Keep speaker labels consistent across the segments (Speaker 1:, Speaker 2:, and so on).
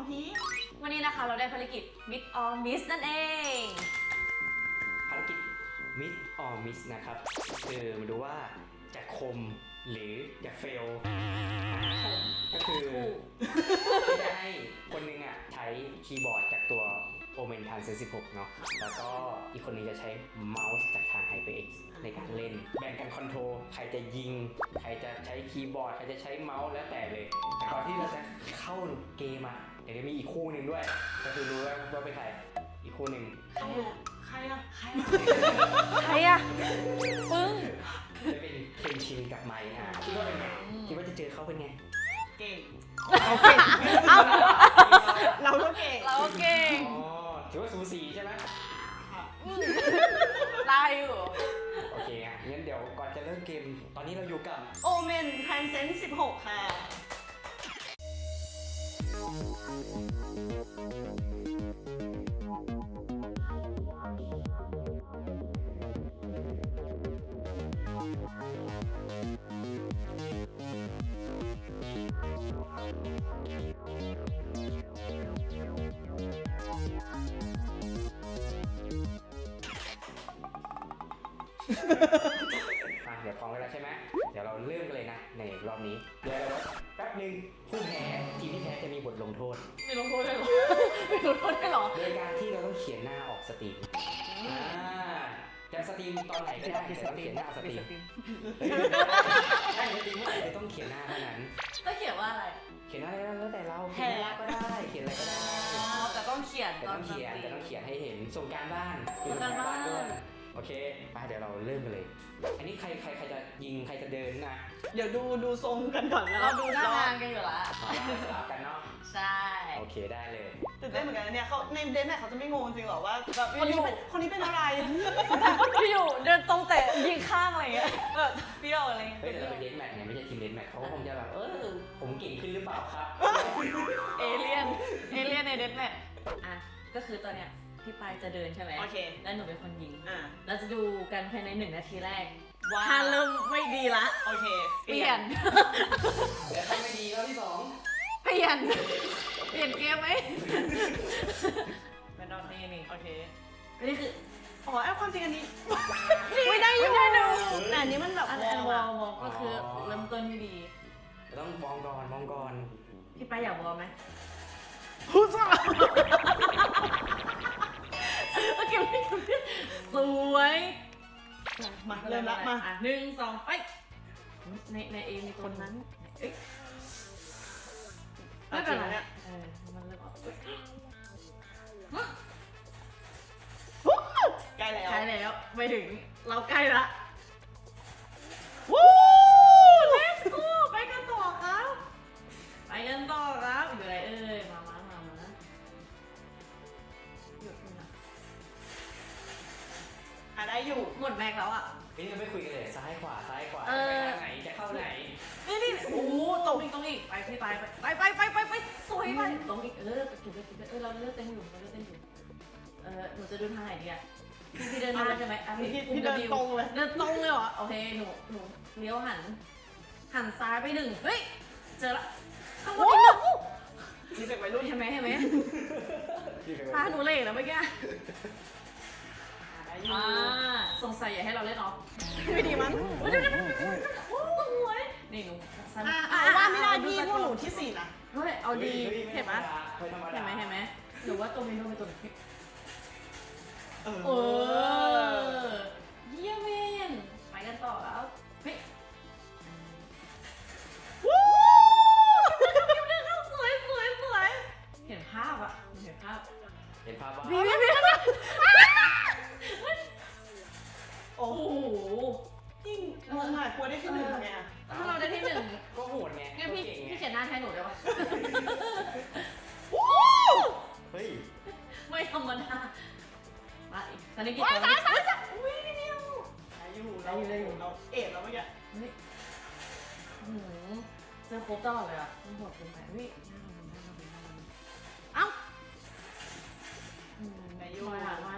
Speaker 1: พีช
Speaker 2: วันนี้นะคะเราได้ภารกิจ Mid or Miss นั่นเอง
Speaker 3: ภารกิจ Mid or Miss นะครับคือมาดูว่าจะคมหรือจะเฟลก็คือจะให้คนหนึงอ่ะใช้คีย์บอร์ดจากตัว Omen Transcend 16 เนาะแล้วก็อีกคนนึงจะใช้เมาส์จากทาง HyperX ในการเล่นแบ่งกันคอนโทรลใครจะยิงใครจะใช้คีย์บอร์ดใครจะใช้เมาส์แล้วแต่เลยแต่ก่อนที่เราจะเข้าเกมอ่ะเดี๋ยวจะมีอีกคู่หนึ่งด้วยก็คือรู้ว่าเป็นใครอีกคู่หนึ่ง
Speaker 1: ใครอะ
Speaker 2: ใครอะปึ้ง
Speaker 3: จะเป็นเคนชินกับไมค์คิดว่าเป็นไงคิดว่าจะเจอเขาเป็นไง
Speaker 1: เก่ง
Speaker 2: โอเคเอา
Speaker 1: เราก็เก่ง
Speaker 2: เราเก่ง
Speaker 3: อ๋อถือว่าสูสีใช่ไหม
Speaker 1: ค่ะ
Speaker 2: ได้อยู่
Speaker 3: โอเคงั้นเดี๋ยวก่อนจะเริ่มเกมตอนนี้เราอยู่กับ
Speaker 1: โอเมนแทนเซน16 ค่ะ
Speaker 3: เดี๋ยวพร้อมกันแล้วใช่ไหมเดี๋ยวเราเริ่มกันเลยนะในรอบนี้เดี๋ยวแป๊บนึงผู้แพ้ทีมที่แพ้จะมีบทลงโทษ
Speaker 2: ไม่ลงโทษได้หรอไม่ลงโทษได้หรอ
Speaker 3: โดยการที่เราต้องเขียนหน้าออกสตรีมจะสตรีมตอนไหนก็ได้แต่ต้องเขียนหน้าสตรีมใช่สตรีมเมื่อไหร่จะต้องเขียนหน้าเท่านั้น
Speaker 2: ก็เขียนว่าอะไร
Speaker 3: เขียนอะไรแล้วแต่เราเขียนหน้าก็ได้เขียนอะไรก็ได้
Speaker 2: แต่ต้องเขียน
Speaker 3: แต่ต้องเขียนให้เห็นส่งการบ้าน
Speaker 2: ส่งการบ้าน
Speaker 3: ด้วยโอเคไปเดี๋ยวเราเริ่มกันเลย อันนี้ใครจะยิงใครจะเดินนะ
Speaker 1: เดี๋ยวดูทรงกันก่อนนะ
Speaker 2: เราดูหน้างานกันอยู่ละ
Speaker 3: เราสลับกันเนาะ
Speaker 2: ใช่
Speaker 3: โอเคได้เลย
Speaker 1: ตื่นเต้นเหมือนกันนะเนี่ยเขาในเดนแมทเขาจะไม่งงจริงหรอว่าแบบคนนี้เป็นอะไร
Speaker 2: พี่อยู่เดินตรงแต่ยิงข้างอะไรเงี้ยแบบเปรี้ยวอะไรเงี้ย
Speaker 3: เฮ้ยแต่เราเป็นเดนแมทไงไม่ใช่ทีมเดนแมทเขาก็คงจะแบบผมเก่งขึ้นหรือเปล่าครับ
Speaker 2: เอเลี่ยนในเดนแมทอ่ะก็คือตอนเนี้ยพี่ปายจะเดินใช่ไหม
Speaker 1: โอเค
Speaker 2: แล้วหนูเป็นคนยิง
Speaker 1: อ่ะ
Speaker 2: เราจะดูกันภายใน1 นาทีแรก
Speaker 1: ว่า
Speaker 2: ถ้าเริ่มไม่ดีละ
Speaker 1: โอเค
Speaker 2: เปลี่ยน
Speaker 3: เดี๋ยวถ้าไม่ดีรอบที่สอง
Speaker 2: เปลี่ยนเกมไหมเป็นรอบนี้นี่
Speaker 1: โอเค
Speaker 2: อันนี้คือ
Speaker 1: อ๋อไอ้ความจริงอันนี้
Speaker 2: ไม่ได้อยู่
Speaker 1: แต่อันนี้มันแบบ
Speaker 2: อัน
Speaker 1: ว
Speaker 2: ว
Speaker 1: อ
Speaker 2: อ
Speaker 1: ล
Speaker 2: ลก็คือเริ่มต้นไม่ดี
Speaker 3: ต้องมองก่อน
Speaker 2: พี่ปายอยากวอลไหม
Speaker 1: ฮูซ่า
Speaker 2: โอเคสวย
Speaker 1: มาเริ่มละมา
Speaker 2: อ่ะ1 2ไปในเอมีคนนั้นเอ้ยไม่เป็นไรมันเริ่มออก
Speaker 1: ใกล้แล้ว
Speaker 2: ใช่แล้วไปถึงเราใกล้ละ
Speaker 1: วู้
Speaker 2: Let's go ไปกันต่อครับอยู่ไหนมาหยุดนะ
Speaker 1: ได้อยู่
Speaker 2: หมดแม็กแล้วอ่ะ
Speaker 3: นี่เราไม่คุยกันเลยซ้ายขวาไปทางไหนจะเข้าไหน
Speaker 2: นี่โอ้ตรงอีกไปพี่ไปสวยไปตรงอีกไปจุดเราเลือกเต้นอยู่หนูจะเดินทางไหนดีอ่ะพี่เดินทางใช่ไหม
Speaker 1: พี่เดินตรงเลย
Speaker 2: เดินตรงเลยเหรอโอเคหนูเลี้ยวหันซ้ายไป1เฮ้ยเจอละข้างบนอีก1
Speaker 1: นี่เป็นวัยรุ่น
Speaker 2: เห็นไหมพาหนูเล่แล้วเมื่อกี้สงสัยอย่าให้เราเล่นออฟ
Speaker 1: ไม่ดีมั้ง
Speaker 2: นี่หนู
Speaker 1: ว่าไม่ได้พี่พวกหนูที่4นะ
Speaker 2: เฮ้ยเอาดีเห็นไหม
Speaker 3: เห็นไหม
Speaker 2: หนูว่าตัวเมนูเป็นตัวพี่
Speaker 1: เออ
Speaker 2: เยี่ยมเมนไปกันต่อแล้วเฮ้ย
Speaker 1: วู้
Speaker 2: สวยเห็นภาพอ่ะเห็นภาพ
Speaker 3: เห็นภาพว่า
Speaker 2: พี่
Speaker 1: โอ้
Speaker 2: โอ้
Speaker 1: โห
Speaker 2: โห
Speaker 1: ยิ่งงงอ่ะกลัวได้ที่1ไงอ่ะ
Speaker 2: ถ้าเราได้ที่1
Speaker 3: ก็โหดไง
Speaker 2: งั้นพี่เขียนหน้าแทนหนูได้ปะ
Speaker 3: เฮ้ย
Speaker 2: ไม่ธรรมดามาอีกตอนนี้กี่ตัวซ้ายอุ้ยนิดเดียว
Speaker 1: เราเอ็ดแล้วเมื่อกี้
Speaker 2: เฮ้ยเจอครบตลอดเลยอ่ะมันโหดเกินไปเฮ้ยเอ้ามา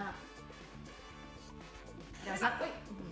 Speaker 2: เดี๋ยวสัก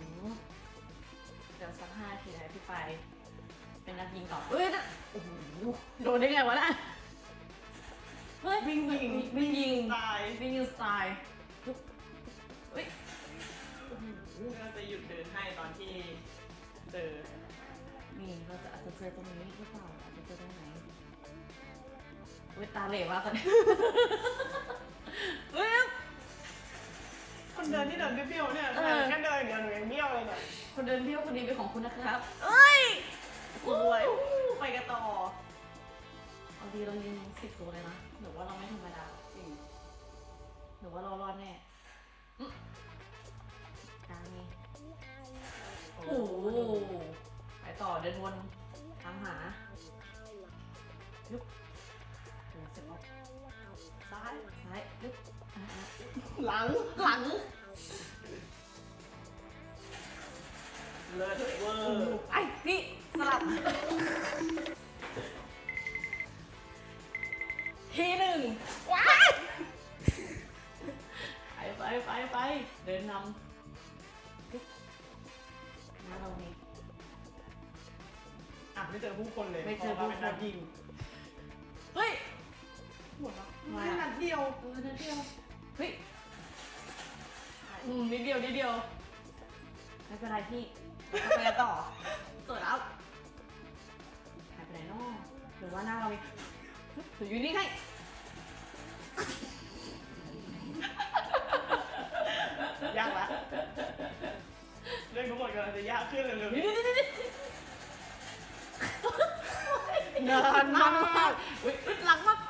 Speaker 2: 5 นาทีนะพี่ไปเป็นนักยิงต่อโอ้โหโดนได้ไงวะน่ะฮ้ย
Speaker 1: วิ่งยิง
Speaker 2: วิ่งยิง
Speaker 1: ตาย
Speaker 2: วิ่งยิงสไตล์เฮ้ย
Speaker 1: เราจะหยุดเดินให้ตอนที่เจอ
Speaker 2: นี่เราจะอาจจะเจอตรงนี้หรือเปล่าอาจจะเจอตรงไหนเฮ้ยตาเหล่มากตอนนี้เฮ้ย
Speaker 1: คนเดินที่เดินเบี้ยวๆเนี่ยแค่เดินอย่างเดียวหนูยังเบี้ยวเลยเนี่ย
Speaker 2: คนเดินเบี้ยวคนนี้เป็นของคุณนะครับเอ้ย
Speaker 1: สวยไปกันต่อ
Speaker 2: เอาดีเรายิง10 ตัวเลยนะหรือว่าเราไม่ธรรมดา
Speaker 1: จริง
Speaker 2: หรือว่าเรารอดแน่กลางนี้โอ้โหไปต่อเดินวนตามหาลุกเดินเสร็จแล้วซ้ายลุก
Speaker 1: หลังเลิศเวอร์
Speaker 2: ไอ้นี่สลับทีหนึ่งว้ายไปเดินนำมาเรานี่
Speaker 1: ไม่เจอผู้คนเลย
Speaker 2: ไม่เจอผู้คน
Speaker 1: เป็นนักยิง
Speaker 2: เฮ้ย
Speaker 1: หมดแล้วไม่นัดเดียว
Speaker 2: นิดเดียวเฮ้ยนิดเดียวไม่เป็นไรพี่เราไปกันต่อสวยแล้วหายไปไหนน้อหรือว่าหน้าเรามีหรืออยู่นี่ไง
Speaker 1: ยากละเรื่องทั้งหมดกำลังจะยากขึ้นเร็วๆ
Speaker 2: นี่
Speaker 1: นานมาก
Speaker 2: อุ้ยอึดหลังมาก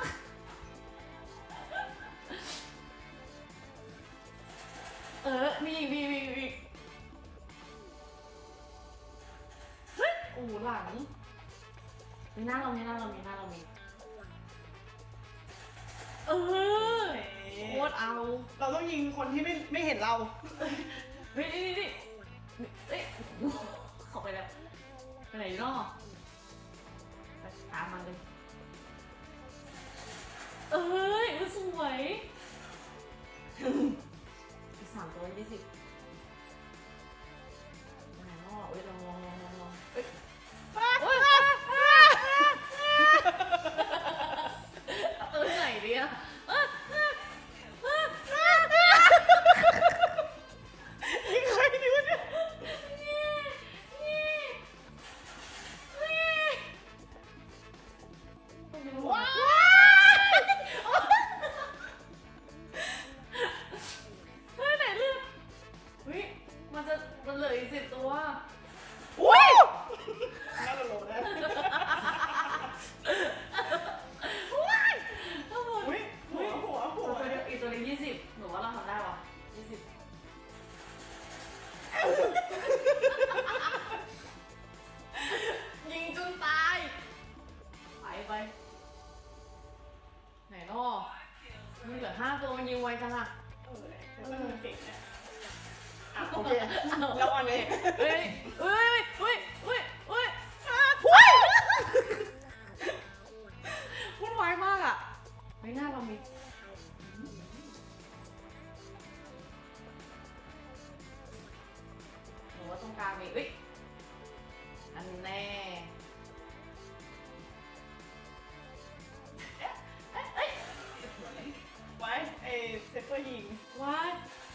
Speaker 2: มีเฮ้ยโอ้หลังมีหน้าเรามีโคตรเอา
Speaker 1: เราต้องยิงคนที่ไม่เห็นเรา
Speaker 2: เฮ้ยนี่เอ้ยเข้าไปแล้วไปไหนเนาะไปตามมันเลยสวยอีก3 ตัว20ไหนเนาะลองเฮ้ยไหนดีอะ
Speaker 1: ยิงใครดีวะเนี่ยว้าว
Speaker 2: ไหนเลือกมันเหลืออีก10 ตัว
Speaker 1: ว้าวน่าจะโหลดนะหัว
Speaker 2: อีกตัวนึง20หนูว่าเราทำได้ปะ20ยิงจนตายไปไหนเนาะมันเหลือ5 ตัวมันยิงไวจังอะ
Speaker 1: เก่งเนี่ยโอเคแล้วอันนี้
Speaker 2: เฮ้ยวุ่นวายมากอ่ะไม่น่าเรามีหนูว่าตรงกลางมีอันแน่
Speaker 1: ไว้ไอ้เซฟเฟอร์ยิง
Speaker 2: ว้าย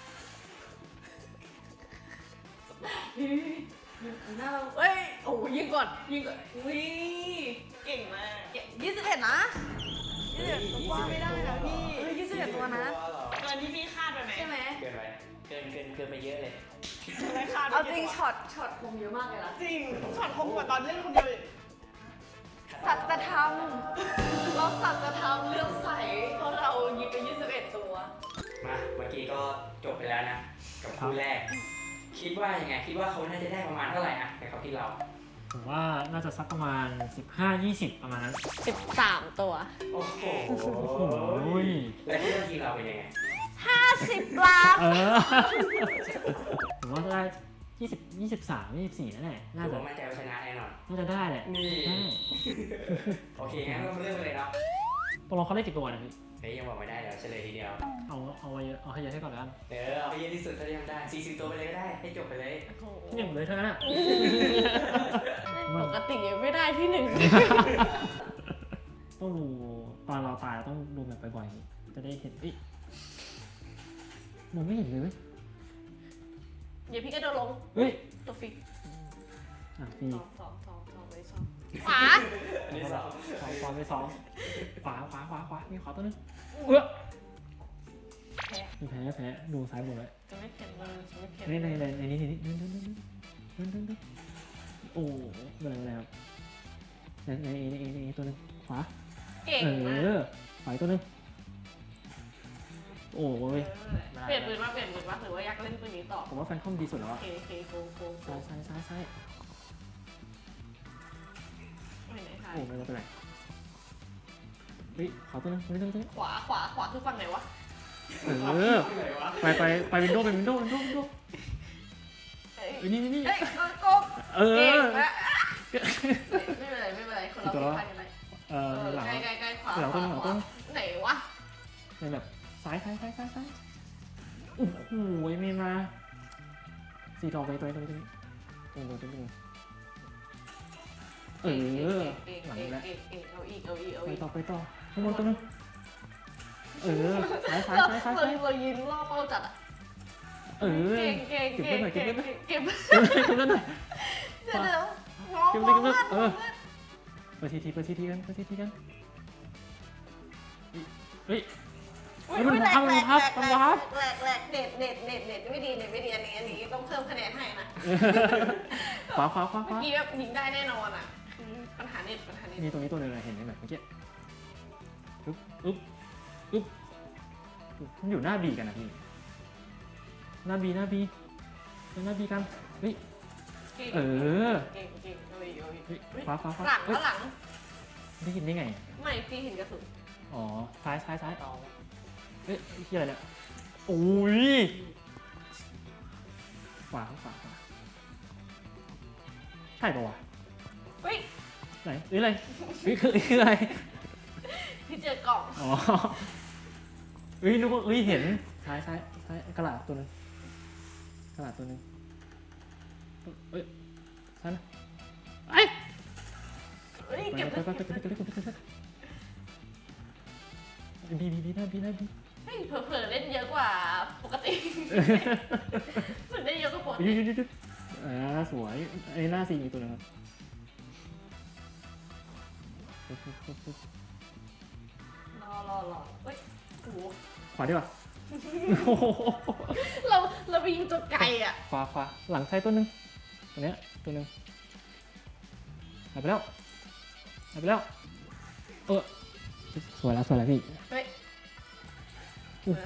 Speaker 2: หน้าเราโอ้ยิงก่อนอุ้ย
Speaker 1: เก่งมาก
Speaker 2: 21นะ
Speaker 1: ว่าไม่ได้นะพี่
Speaker 2: 21 ตัวนะ
Speaker 1: เกินที่พี่คาดไปไหม
Speaker 2: ใช่ไหม
Speaker 3: เกินไปเกินไปเยอะเลย
Speaker 1: ไม่คาด
Speaker 2: เอาจริงช็อตคมเยอะมากเลยนะ
Speaker 1: จริงช็อตคมกว่าตอนเล่นคนเดียวอีก
Speaker 2: สัจธรรมเราสัจธรรมเรื่องใสเพราะเรายิงไป21 ตัว
Speaker 3: มาเมื่อกี้ก็จบไปแล้วนะกับคู่แรก คิดว่ายังไงคิดว่าเขาน่าจะได้ประมาณเท่าไหร่อะในเขาที่เรา
Speaker 4: ผมว่าน่าจะสักประมาณ 15-20 ประมาณนั้น
Speaker 5: 13 ตัว
Speaker 3: โอ้โห
Speaker 4: โอ้ย
Speaker 3: แล้วคิดว่าทีมเราเป็นยังไง
Speaker 5: 50 ล้าน
Speaker 4: ผมว่าได้23-24นั่นแหละน่า
Speaker 3: ถือ
Speaker 4: จะ
Speaker 3: ว่ามั่นใจว่าชนะแน่นอน
Speaker 4: น่าจะได้แหละ
Speaker 3: นี่
Speaker 4: ได้
Speaker 3: โอเคงั้นเราเริ่มกันเลยเนาะ
Speaker 4: ตกลงเขาได้กี่ตัวนะพี่
Speaker 3: เฮ้ยยังบอกไม่ได้เดี๋ยวเฉลยทีเดียว
Speaker 4: เอาไว้เยอะเอาให้เยอะให้ก่อนแล้วกัน
Speaker 3: เอาไปเยอะที่สุดเท่าที่ทำได้40 ตัวไปเลยก็ได้ให้จบไปเลย
Speaker 4: ที่หนึ่งเลยเท่านั้นอ่ะ
Speaker 5: ปกติยังไม่ได้ที่ 1
Speaker 4: ต้องดูตอนเราตายเราต้องดูแบบบ่อยจะได้เห็นมองไม่เห็นเลยเว้ย
Speaker 2: เดี๋ยวพี่ก็โดนลง
Speaker 4: เฮ้ย
Speaker 2: ตัวฟรี
Speaker 4: ฟรี
Speaker 2: สองเลยสองขวา
Speaker 3: อันนี้สอง
Speaker 4: สองความไปสองขวามีขวาตัวนึงมีแพ้ดูซ้ายหมดเลย
Speaker 2: จะไม่เข็นเลยจะไม่เข็น
Speaker 4: ในนี้นั่นโอ้ไม่เป็นไรครับในตัวนึงขวา
Speaker 2: เก่งมาก
Speaker 4: ขวาตัวนึงโอ้ย
Speaker 2: เปลี่ยนปืนมาหรือว่าอยากเล่นปืนนี้ต่อ
Speaker 4: ผมว่าแฟนคอมดีสุดแล้ว
Speaker 2: โอ
Speaker 4: อะ
Speaker 2: เคโก
Speaker 4: ซ้าย
Speaker 2: ไม่ไหนทาย
Speaker 4: โอ้ไม่เป็นไรขวาตัวนึงไม่ต้อง
Speaker 2: ขวาคือฝั่งไหนวะ
Speaker 4: ไปวินโดว์นี่
Speaker 2: เฮ้ยโกง เก่งนะไม่เป็นไรคนเราไม่พลาดกันเลย
Speaker 4: หลัง
Speaker 2: ใกล้ขวา
Speaker 4: หลังต้น
Speaker 2: ไหนวะ
Speaker 4: ในแบบซ้ายโอ้โหไม่มาสีทองไปตัวนี้ตรงเก่งหลังนี้แล้วไปต่อข้างบนตัวนึงซ้าย
Speaker 2: เรายิงล่อเป้าจัดอ่ะเก่ง
Speaker 4: เก็บเล่นหน่อย
Speaker 2: เดี๋ยว
Speaker 4: มอง
Speaker 2: ไปทีกัน
Speaker 4: มันพับ
Speaker 2: แหลกเน็ตไม่ดีอันนี้ต้องเพิ่มคะแนนให้นะ
Speaker 4: ขวา
Speaker 2: เมื่อกี้แบบยิงได้แน่นอนอ่ะปัญหาเน็ต
Speaker 4: มีตรงนี้ตัวนึงเห็นไหมแบบเมื่อกี้มันอยู่หน้าบีกันนะพี่หน้าบีกันเก่งขวา
Speaker 2: หลัง
Speaker 4: ได้ยินได้ไง
Speaker 2: ไม่พี่เห็นกระสุน
Speaker 4: อ๋อซ้ายที่อะไรเนี่ยโอ้ยขวาใช่ปะวะ
Speaker 2: เฮ้ย
Speaker 4: ไหนอะไรคืออะไร
Speaker 2: พี่เจอกล่อง
Speaker 4: อ๋อนึกว่าเห็นซ้ายกระดาษตัวนึงซ้ายนะ
Speaker 2: เก็บ
Speaker 4: บีหน้าบี
Speaker 2: เฮ้ยเผลอเล่นเยอะกว่าปกติสุดได้เยอะกว่าปกติ
Speaker 4: สวยไอ้หน้าซีมีตัวนึงครับ
Speaker 2: รอเฮ้ยโอ้โห
Speaker 4: ขวาดีกว่า
Speaker 2: เราไปยิงตัวไกลอ่ะ
Speaker 4: ขวาหลังใช้ตัวนึงตัวเนี้ยตัวนึงหายไปแล้วสวยแล้วพี่
Speaker 2: เฮ้ย
Speaker 4: โอ้โห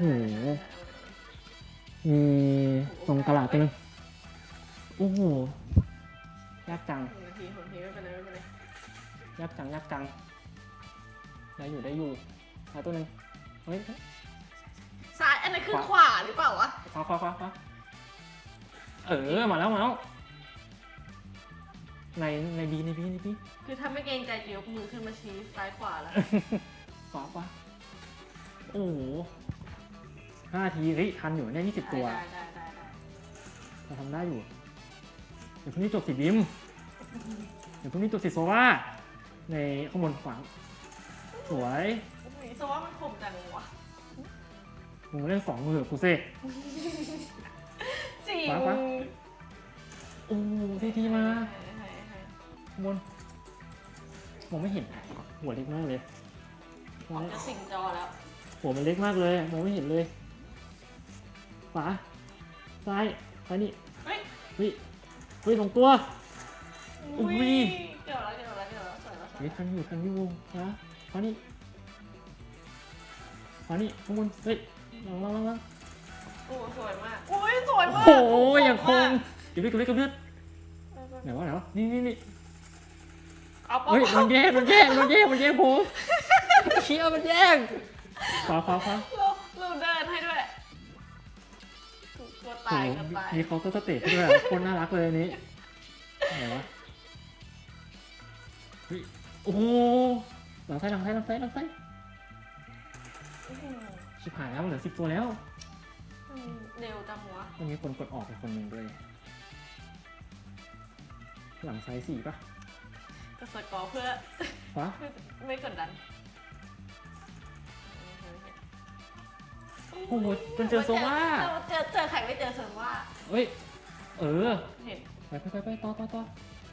Speaker 4: มีตรงตลาดตัวนึงโอ้โหยากจัง
Speaker 2: นาทีไม่เป็นไร
Speaker 4: ยากจังได้อยู่หาตัวนึงเฮ้ย
Speaker 2: ซ้ายอันนั้นคือขวาหรือเปล่าวะ
Speaker 4: ขวามาแล้วในบี
Speaker 2: คือถ้าไม่เกรงใจจะยกมือขึ้นมาชี้ซ้ายขวาแล้ว
Speaker 4: ขวาโอ้โห5 ทีทันอยู่เนี่ย20 ตัว
Speaker 2: ได้
Speaker 4: เราทำได้อยู่เดี๋ยวพรุ่งนี้จบสีบิมเดี๋ยวพรุ่งนี้จบสีโซว่าในข้างบนขวาสวย
Speaker 2: โซว่ามันคมจังวะ
Speaker 4: มึงเล่น2 มือกูเซ่
Speaker 2: จริง
Speaker 4: ขวา โอ้ทีมาข้างบนมองไม่เห็นหัวเล็กมากเลย
Speaker 2: ออกจะสิงจอแล้ว
Speaker 4: หัวมันเล็กมากเลยมองไม่เห็นเลยขวาซ้ายนี่
Speaker 2: เฮ้ย
Speaker 4: ลงตัว
Speaker 2: อุ้ยเดี๋ยวแล้วสวยแล้ว
Speaker 4: ทันอยู่นะขวานี่ข้างบนลัง
Speaker 2: โอ้สวยมากอุ้ยสวยมาก
Speaker 4: โอ้โหอย่างคงเก็บเลือดไหนวะนี่
Speaker 2: เอาป๊อ
Speaker 4: เฮ้ยมันแย่งผมเชี่ยมันแย่งขวา
Speaker 2: เราเดินให้ด้วยตัวตาย
Speaker 4: มีเขาก็สเตจด้วยคนน่ารักเลยอันนี้ไหนวะโอ้โหหลังไส้ชิบหายแล้วเหลือ10 ตัวแล้ว
Speaker 2: เร็วจังวะ
Speaker 4: มันมีคนกดออกไปคนหนึ่งด้วยหลังไซส์4ป่ะ
Speaker 2: ก็สกอร์เพื่อ
Speaker 4: ขวา
Speaker 2: ไม่กดดัน
Speaker 4: โอ้โหมันเจอโซว่า
Speaker 5: เจอใครไม่เจอโซว่า
Speaker 4: เอ้ย เออ
Speaker 5: เห็น
Speaker 4: ไปต่อต่อ
Speaker 5: ใกล้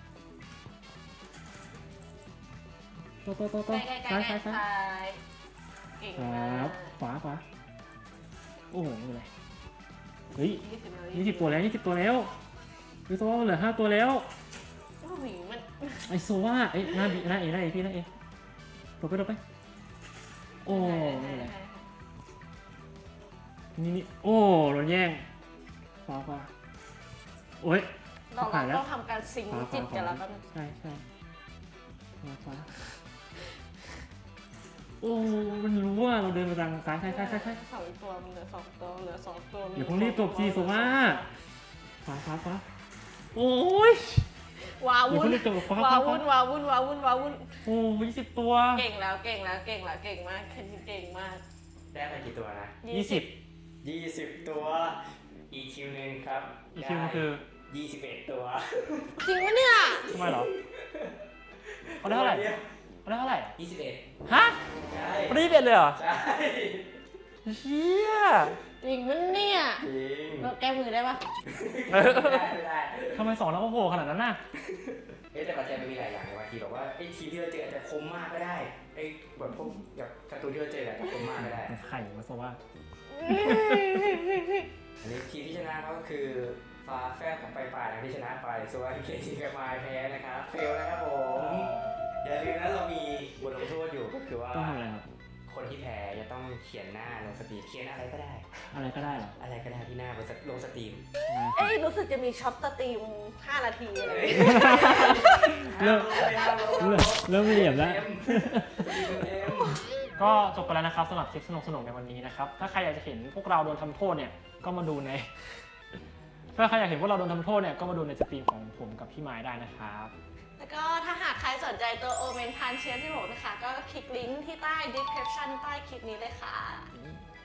Speaker 4: ซ้าย
Speaker 5: ๆซ้ายเก่ง
Speaker 4: ค
Speaker 5: มา
Speaker 4: รั
Speaker 5: ก
Speaker 4: บขวา โอ้โหไม่เป็นไรเฮ้ย
Speaker 5: 20
Speaker 4: 20 ตัวแล้ว20 ตัวแล้วเฮ้ยโซว่าเหลือ5ตัวแล้ว
Speaker 5: โอ้โหมัน
Speaker 4: ไอโซว่าเอ้ยหน้าเอพี่หน้าเอหลบไปโอ้ไม่เป็นไรนี่โอ้โดนแย่งขวาโอ้ย
Speaker 5: เรา
Speaker 4: ผ่านแล้ว
Speaker 5: ต้องทำการซิงค์จิตกันแล้วกัน
Speaker 4: ใช่ขวาโอ้มันรู้ว่าเราเดินมาทางซ้าย
Speaker 5: 2 ตัวมันเหลือ2 ตัวเหลือ2 ตัว
Speaker 4: อย่าเพิ่งรีบจบสิโซว่าขวาโอ้ย
Speaker 5: ว้า
Speaker 4: อย่า
Speaker 5: วุ่น
Speaker 4: เพิ่งรีบจบขวา
Speaker 5: ว้าวุ่น
Speaker 4: โอ้20 ตัว
Speaker 5: เก่งแล้วเก่งมากเก่งมาก
Speaker 3: ได้ไปกี่ตัวนะ
Speaker 4: 20
Speaker 3: 20 ตัว อีกคิวหนึงครับ
Speaker 4: อีกคิวมันคือ
Speaker 3: 21 ตัว
Speaker 5: จริงปะเนี่ย
Speaker 4: ทำไมเหรอเขาได้เท่าไหร่
Speaker 3: 21
Speaker 4: ฮะ
Speaker 3: ใช่
Speaker 4: เขาได้21เลยเหรอ
Speaker 3: ใช่
Speaker 4: เชี่ย
Speaker 5: จริงปะเนี่ย
Speaker 3: จริง
Speaker 5: เราแก้มือได้ปะ
Speaker 3: ไม่ได้
Speaker 4: ทำไม2แล้วก็โผล่ขนาดนั้นน่ะ
Speaker 3: แต่ปัจจัยมันมีหลายอย่างในบางทีแบบว่าไอ้ทีมที่เราเจออาจจะคมมากก็ได้ไอ้แบบพวกแบบการ์ตูนที่เราเจออาจจะคมมากก็ได้
Speaker 4: ไข่มาโซว่า
Speaker 3: อันนี้ทีมที่ชนะก็คือฟ้าแฟบของไปป่านะที่ชนะไปส่วนเคทีกับมายแพ้นะครับเฟลนะครับผมอย่าลืมนะเรามีบทลงโทษอยู่ก็คือว่า
Speaker 4: ต้องทำอะไรครับ
Speaker 3: คนที่แพ้จะต้องเขียนหน้าลงสตรีมเขียนอะไรก็ได้
Speaker 4: อะไรก็ได้เหรอ
Speaker 3: อะไรก็ได้ที่หน้าบนลงสตรีม
Speaker 5: เอ้ยรู้สึกจะมีช็อตสตรีม5 นาทีอะไร
Speaker 4: เริ่มเหลี่ยมแล้ว
Speaker 3: เต็ม
Speaker 4: ก็จบไปแล้วนะครับสำหรับคลิปสนุกๆในวันนี้นะครับ ถ้าใครอยากจะเห็นพวกเราโดนทำโทษเนี่ย ก็มาดูใน ถ้าใครอยากเห็นพวกเราโดนทำโทษเนี่ย ก็มาดูในสตรีมของผมกับพี่ไม้ได้นะครับ
Speaker 5: แล้วก็ถ้าหากใครสนใจตัวโอเมนพันเชียร์ที่6นะคะ ก็คลิกลิงก์ที่ใต้ description ใต้คลิปนี้เลยค่ะ